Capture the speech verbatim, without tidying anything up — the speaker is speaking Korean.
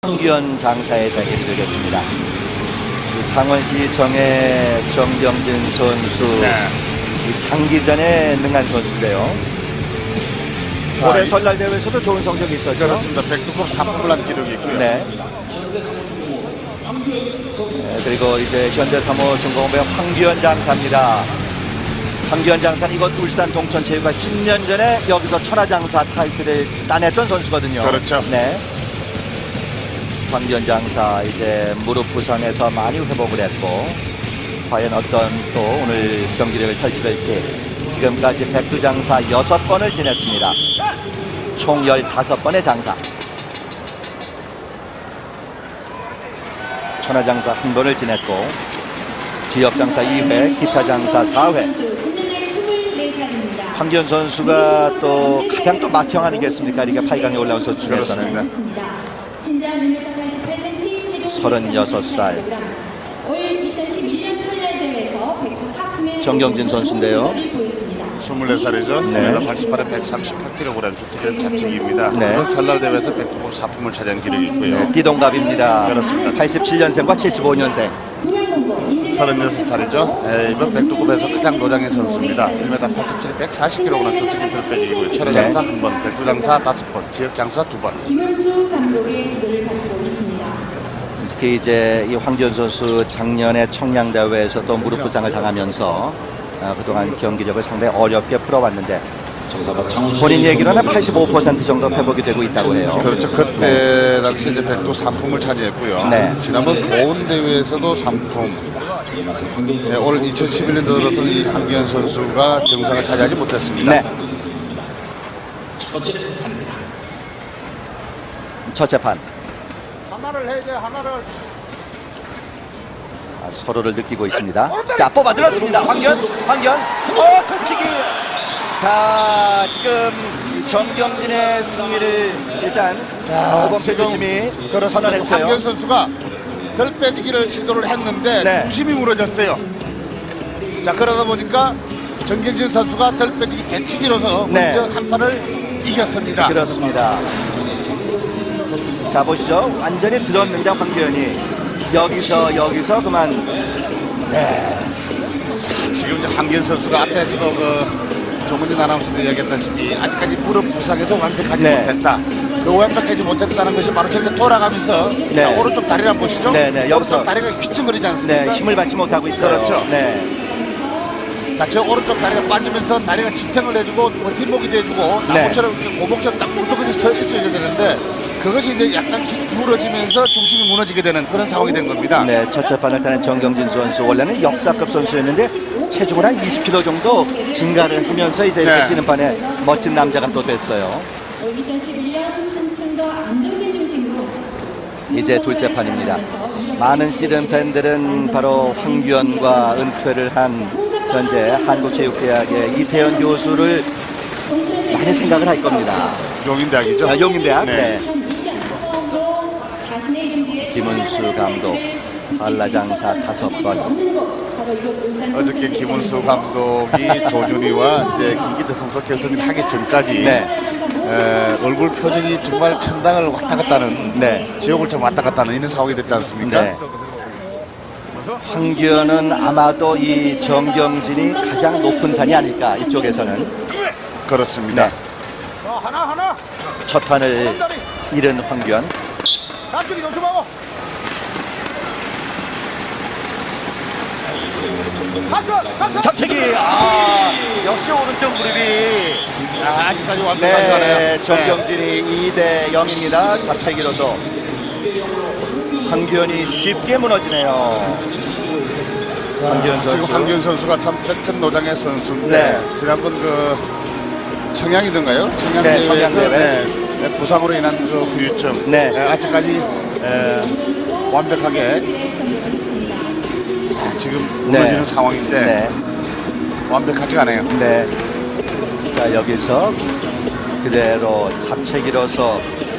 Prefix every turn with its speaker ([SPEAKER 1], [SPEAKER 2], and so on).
[SPEAKER 1] 황규현 장사의 대결이 되겠습니다. 창원시 정해 정경진 선수,
[SPEAKER 2] 네.
[SPEAKER 1] 이 장기전에 능한 선수인데요.
[SPEAKER 2] 자,
[SPEAKER 1] 올해 설날 대회에서도 좋은 성적이 있었죠.
[SPEAKER 2] 그렇습니다. 백두급 사품을 한 기록이 있고요.
[SPEAKER 1] 네. 네, 그리고 이제 현대 삼 호 중공업의 황규현 장사입니다. 황규현 장사는 이곳 울산 동천체육관 십 년 전에 여기서 천하장사 타이틀을 따냈던 선수거든요.
[SPEAKER 2] 그렇죠.
[SPEAKER 1] 네. 황규현 장사 이제 무릎 부상에서 많이 회복을 했고, 과연 어떤 또 오늘 경기력을 펼칠지. 지금까지 백두장사 여섯 번을 지냈습니다. 총 열다섯 번의 장사. 천하장사 한 번을 지냈고, 지역장사 이 회, 기타장사 사 회. 황규현 선수가 또 가장 또 맏형 아니겠습니까? 리그 팔 강에 올라온 선수 중에서는. 서른여섯 살. 정경진 선수인데요.
[SPEAKER 2] 스물네 살이죠.
[SPEAKER 1] 네.
[SPEAKER 2] 일 미터 팔십팔에 백삼십팔 킬로그램 주특기는 잡식입니다.
[SPEAKER 1] 네.
[SPEAKER 2] 이번 설날 대회에서 백두급 사품을 차지한 기록이 있고요.
[SPEAKER 1] 네, 띠동갑입니다.
[SPEAKER 2] 그렇습니다.
[SPEAKER 1] 팔십칠 년생과 칠십오 년생.
[SPEAKER 2] 서른여섯 살이죠. 네, 이번 백두급에서 가장 노장의 선수입니다. 일 미터 팔십칠에 백사십 킬로그램 주특기 들빼기이고요. 천하장사
[SPEAKER 1] 네.
[SPEAKER 2] 한 번, 백두장사 다섯 번, 지역장사 두 번.
[SPEAKER 3] 김은수 감독의 지도를 받고 있습니다.
[SPEAKER 1] 특히 이제 이 황규현 선수 작년에 청량대회에서 또 무릎 부상을 당하면서 아, 그동안 경기력을 상당히 어렵게 풀어왔는데, 본인 얘기로는 팔십오 퍼센트 정도 회복이 되고 있다고 해요.
[SPEAKER 2] 그렇죠. 그때 당시 이제 백두 삼품을 차지했고요.
[SPEAKER 1] 네.
[SPEAKER 2] 지난번 보은 대회에서도 삼품. 네, 올 이천십일 년 들어서 이 황규현 선수가 정상을 차지하지 못했습니다.
[SPEAKER 1] 네. 첫째 판.
[SPEAKER 2] 하나를 해야 돼, 하나를.
[SPEAKER 1] 아, 서로를 느끼고 있습니다. 자, 뽑아 들었습니다. 황규현, 황규현. 어, 터치기. 자, 지금 정경진의 승리를 일단 오범필 주심이
[SPEAKER 2] 그렇습니다.
[SPEAKER 1] 선언했어요.
[SPEAKER 2] 황규현 선수가 덜 빼지기를 시도를 했는데
[SPEAKER 1] 네.
[SPEAKER 2] 중심이 무너졌어요. 자, 그러다 보니까 정경진 선수가 덜 빼지기 대치기로서
[SPEAKER 1] 네.
[SPEAKER 2] 먼저 한 판을 이겼습니다.
[SPEAKER 1] 그렇습니다. 자, 보시죠. 완전히 들었는데 황규현이 여기서 여기서 그만. 네.
[SPEAKER 2] 자, 지금 이제 황규현 선수가 앞에서도 그 정은진 아나운서도 이야기했다시피 아직까지 무릎 부상에서 완벽하지
[SPEAKER 1] 네.
[SPEAKER 2] 못했다. 그 완벽하지 못했다는 것이 바로 현재 돌아가면서
[SPEAKER 1] 네.
[SPEAKER 2] 자, 오른쪽 다리를 한번 보시죠.
[SPEAKER 1] 네, 네, 여기서.
[SPEAKER 2] 오른쪽 다리가 휘청거리지 않습니까?
[SPEAKER 1] 네, 힘을 받지 못하고 있어요.
[SPEAKER 2] 그렇죠.
[SPEAKER 1] 네.
[SPEAKER 2] 자, 저 오른쪽 다리가 빠지면서 다리가 지탱을 해주고 버팀목이 돼주고
[SPEAKER 1] 네.
[SPEAKER 2] 나무처럼 이렇게 고목처럼 딱 물떡같이 서 있어야 되는데 그것이 이제 약간 기울어지면서 중심이 무너지게 되는 그런 상황이 된 겁니다.
[SPEAKER 1] 네, 첫째 판을 타는 정경진 선수, 원래는 역사급 선수였는데 체중을 한 이십 킬로그램 정도 증가를 하면서 이제 이렇게
[SPEAKER 2] 네.
[SPEAKER 1] 쓰는 판에 멋진 남자가 또 됐어요.
[SPEAKER 3] 이천십일 년 한층 더 안정된 중심으로
[SPEAKER 1] 이제 둘째 판입니다. 많은 씨름 팬들은 바로 황규현과 은퇴를 한 현재 한국체육대학의 이태현 교수를 많이 생각을 할 겁니다.
[SPEAKER 2] 용인대학이죠.
[SPEAKER 1] 아, 용인대학.
[SPEAKER 2] 네.
[SPEAKER 1] 네. 김은수 감독, 한라장사 다섯 번.
[SPEAKER 2] 어저께 김은수 감독이 조준희와 이제 김기태 선수 결승을 하기 전까지
[SPEAKER 1] 네.
[SPEAKER 2] 에, 얼굴 표정이 정말 천당을 왔다 갔다 하는
[SPEAKER 1] 네.
[SPEAKER 2] 지옥을 좀 왔다 갔다 하는 이런 상황이 됐지 않습니까?
[SPEAKER 1] 네. 황규현은 아마도 이 정경진이 가장 높은 산이 아닐까, 이쪽에서는.
[SPEAKER 2] 그렇습니다.
[SPEAKER 1] 네. 첫 판을 잃은 황규현.
[SPEAKER 2] 앞쪽이 조심하고.
[SPEAKER 1] 잡채기. 아, 역시 오른쪽 무릎이.
[SPEAKER 2] 아, 아직까지 완벽하지
[SPEAKER 1] 네,
[SPEAKER 2] 않아요.
[SPEAKER 1] 정경진이 이 대 영입니다. 잡채기로서. 황규현이 쉽게 무너지네요. 황규현 선수.
[SPEAKER 2] 지금 황규현 선수가 참 백천노장의 선수인데
[SPEAKER 1] 네.
[SPEAKER 2] 지난번 그 청양이던가요?
[SPEAKER 1] 네,
[SPEAKER 2] 청양대회에서
[SPEAKER 1] 청양대회.
[SPEAKER 2] 네, 네, 부상으로 인한 그 후유증
[SPEAKER 1] 네.
[SPEAKER 2] 네, 아직까지 에, 완벽하게 자, 지금 무너지는
[SPEAKER 1] 네.
[SPEAKER 2] 상황인데
[SPEAKER 1] 네.
[SPEAKER 2] 완벽하지가 않아요.
[SPEAKER 1] 네. 자, 여기서 그대로 잡채기로서